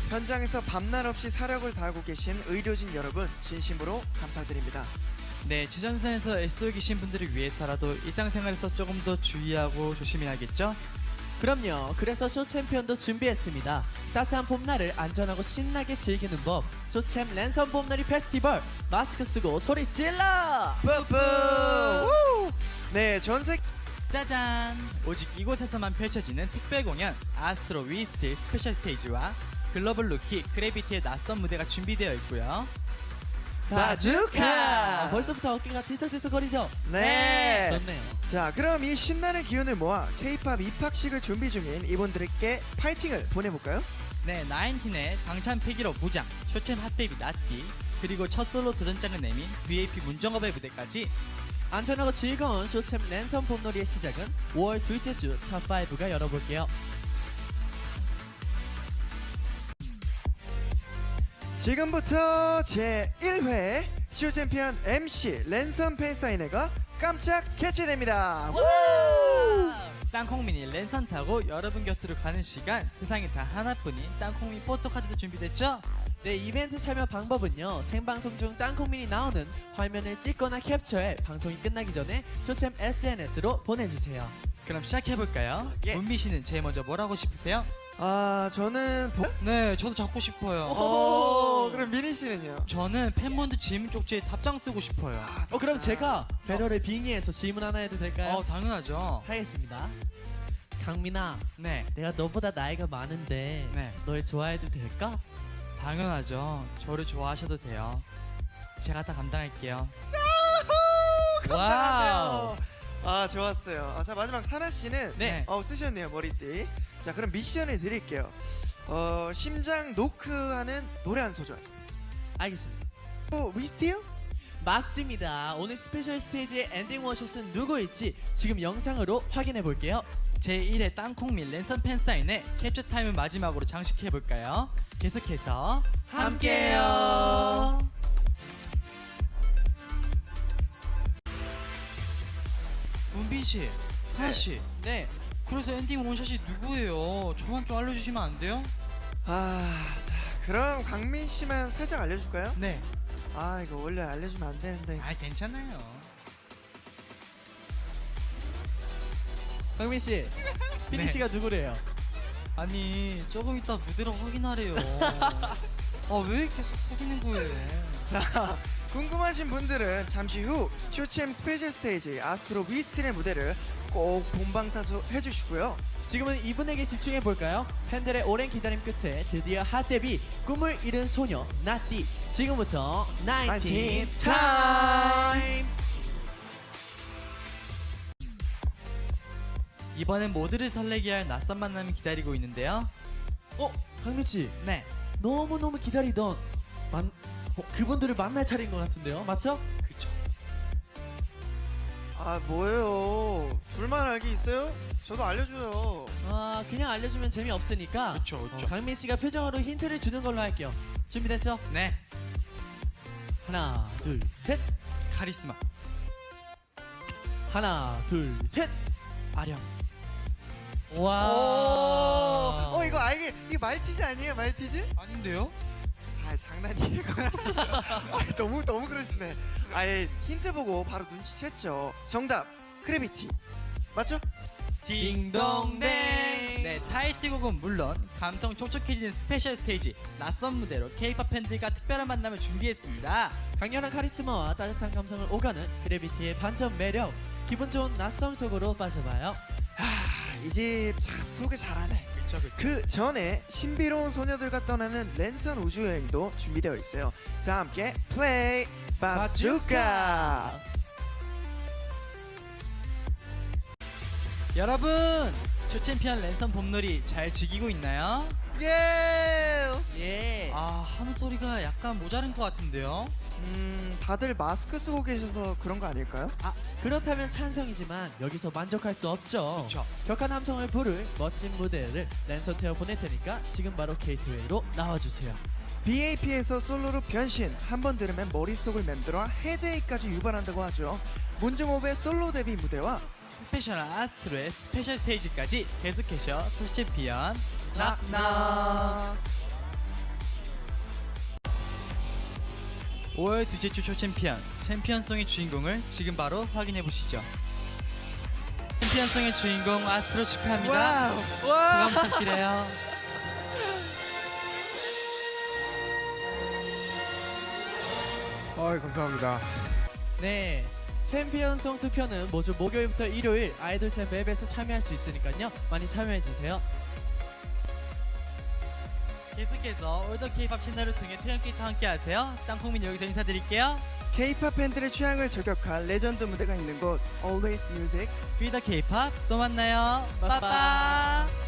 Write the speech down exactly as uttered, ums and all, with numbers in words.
현장에서 밤낮 없이 사력을 다하고 계신 의료진 여러분 진심으로 감사드립니다. 네, 최전선에서 애쓰고 계신 분들을 위해서라도 일상생활에서 조금 더 주의하고 조심해야겠죠? 그럼요. 그래서 쇼 챔피언도 준비했습니다. 따스한 봄날을 안전하고 신나게 즐기는 법. 쇼챔 랜선 봄놀이 페스티벌. 마스크 쓰고 소리 질러! 뿌뿌! 네, 전세 짜잔! 오직 이곳에서만 펼쳐지는 특별 공연 아스트로 위스트 스페셜 스테이지와 글로벌 루키 그래비티의 낯선 무대가 준비되어 있고요. 바주카! 아, 벌써부터 어깨가 들썩들썩거리죠? 네. 좋네요. 자, 그럼 이 신나는 기운을 모아 K-팝 입학식을 준비 중인 이분들께 파이팅을 보내볼까요? 네, 나인틴의 당찬 패기로 무장, 쇼챔 핫데뷔 나티, 그리고 첫 솔로 도전장을 내민 브이에이피 문정업의 무대까지 안전하고 즐거운 쇼챔 랜선 봄놀이의 시작은 오월 둘째 주 탑 파이브가 열어볼게요. 지금부터 제일 회 쇼챔피언 엠씨 랜선 팬사인회가 깜짝 개최됩니다. 땅콩미니 랜선 타고 여러분 곁으로 가는 시간, 세상에 단 하나뿐인 땅콩미 포토카드도 준비됐죠? 네, 이벤트 참여 방법은요. 생방송 중 땅콩민이 나오는 화면을 찍거나 캡처해 방송이 끝나기 전에 쇼챔 에스엔에스로 보내주세요. 그럼 시작해볼까요? 예. 문비 씨는 제일 먼저 뭘 하고 싶으세요? 아, 저는 보... 네, 저도 잡고 싶어요. 어, 그럼 미니 씨는요? 저는 팬분들 질문 쪽지에 답장 쓰고 싶어요. 어, 그럼 제가 배럴을 빙의해서 질문 하나 해도 될까요? 어, 당연하죠. 하겠습니다. 강민아, 네, 내가 너보다 나이가 많은데 네, 널 좋아해도 될까? 당연하죠. 저를 좋아하셔도 돼요. 제가 다 감당할게요. 와우. 아, 좋았어요. 아, 자, 마지막 사나 씨는 네. 어, 쓰셨네요, 머리띠. 자, 그럼 미션을 드릴게요. 어, 심장 노크하는 노래 한 소절. 알겠습니다. 어, 위스티요? 맞습니다. 오늘 스페셜 스테이지의 엔딩 워샷은 누구일지 지금 영상으로 확인해 볼게요. 제일 회 땅콩밀 랜선 팬사인회 캡처 타임을 마지막으로 장식해볼까요? 계속해서 함께해요. 문빈씨, 사나씨, 네, 그래서 엔딩 원샷이 누구예요? 저만 좀 알려주시면 안 돼요? 아, 자, 그럼 강민 씨만 살짝 알려줄까요? 네. 아, 이거 원래 알려주면 안 되는데. 아, 괜찮아요. 강민 씨, 피디 네. 씨가 누구래요? 아니, 조금 이따 무대로 확인하래요. 아, 왜 이렇게 속 속이는 거예요? 자, 궁금하신 분들은 잠시 후 쇼챔 스페셜 스테이지 아스트로 위스틴의 무대를 꼭 본방사수 해주시고요. 지금은 이분에게 집중해 볼까요? 팬들의 오랜 기다림 끝에 드디어 핫 데뷔 꿈을 이룬 소녀 나띠. 지금부터 나인틴 타임. 이번엔 모두를 설레게 할 낯선 만남이 기다리고 있는데요. 어, 강민 씨, 네, 너무 너무 기다리던 만 어, 그분들을 만날 차례인 것 같은데요, 맞죠? 그쵸. 아, 뭐예요? 둘만 알기 있어요? 저도 알려줘요. 아, 그냥 알려주면 재미 없으니까. 그쵸, 그쵸. 어, 강민 씨가 표정으로 힌트를 주는 걸로 할게요. 준비됐죠? 네, 하나, 둘, 셋. 카리스마, 하나, 둘, 셋. 아령. 와. 오, 어, 이거 알게, 이게 말티즈 아니에요, 말티즈? 아닌데요? 아, 장난이에요. 아, 너무 너무 그러시네. 아예 힌트 보고 바로 눈치챘죠. 정답, 크래비티. 맞죠? 딩동댕. 네, 타이틀곡은 물론 감성 촉촉해지는 스페셜 스테이지 낯선 무대로 K-팝 팬들과 특별한 만남을 준비했습니다. 강렬한 카리스마와 따뜻한 감성을 오가는 그래비티의 반전 매력. 기분 좋은 낯섦 속으로 빠져봐요. 이 집 참 소개 잘하네. 그쵸, 그쵸. 그 전에 신비로운 소녀들과 떠나는 랜선 우주 여행도 준비되어 있어요. 자, 함께 플레이 바주카. 여러분, 쇼챔피언 랜선 봄놀이 잘 즐기고 있나요? 예. 예. 아, 하는 소리가 약간 모자른 것 같은데요? 음, 다들 마스크 쓰고 계셔서 그런 거 아닐까요? 아, 그렇다면 찬성이지만 여기서 만족할 수 없죠. 그쵸. 격한 함성을 부를 멋진 무대를 랜선 태워 보낼 테니까 지금 바로 게이트웨이로 나와주세요. 비에이피에서 솔로로 변신. 한 번 들으면 머릿속을 맴돌아 헤드에이까지 유발한다고 하죠. 문중호의 솔로 데뷔 무대와 스페셜 아스트로의 스페셜 스테이지까지 계속해서 쇼챔피언 낙낙. 오월 둘째 주 쇼 챔피언 챔피언송의 주인공을 지금 바로 확인해 보시죠. 챔피언송의 주인공 아스트로 축하합니다. 와우. 소감 부탁드려요. 아, 감사합니다. 네, 챔피언송 투표는 모두 목요일부터 일요일 아이돌쌤 맵에서 참여할 수 있으니까요. 많이 참여해주세요. 계속해서 올더 K-팝 채널을 통해 태연기타 함께하세요. 땅콩민 여기서 인사드릴게요. K-팝 팬들의 취향을 저격할 레전드 무대가 있는 곳 Always Music. Be the K-팝 또 만나요. 빠빠. 빠빠.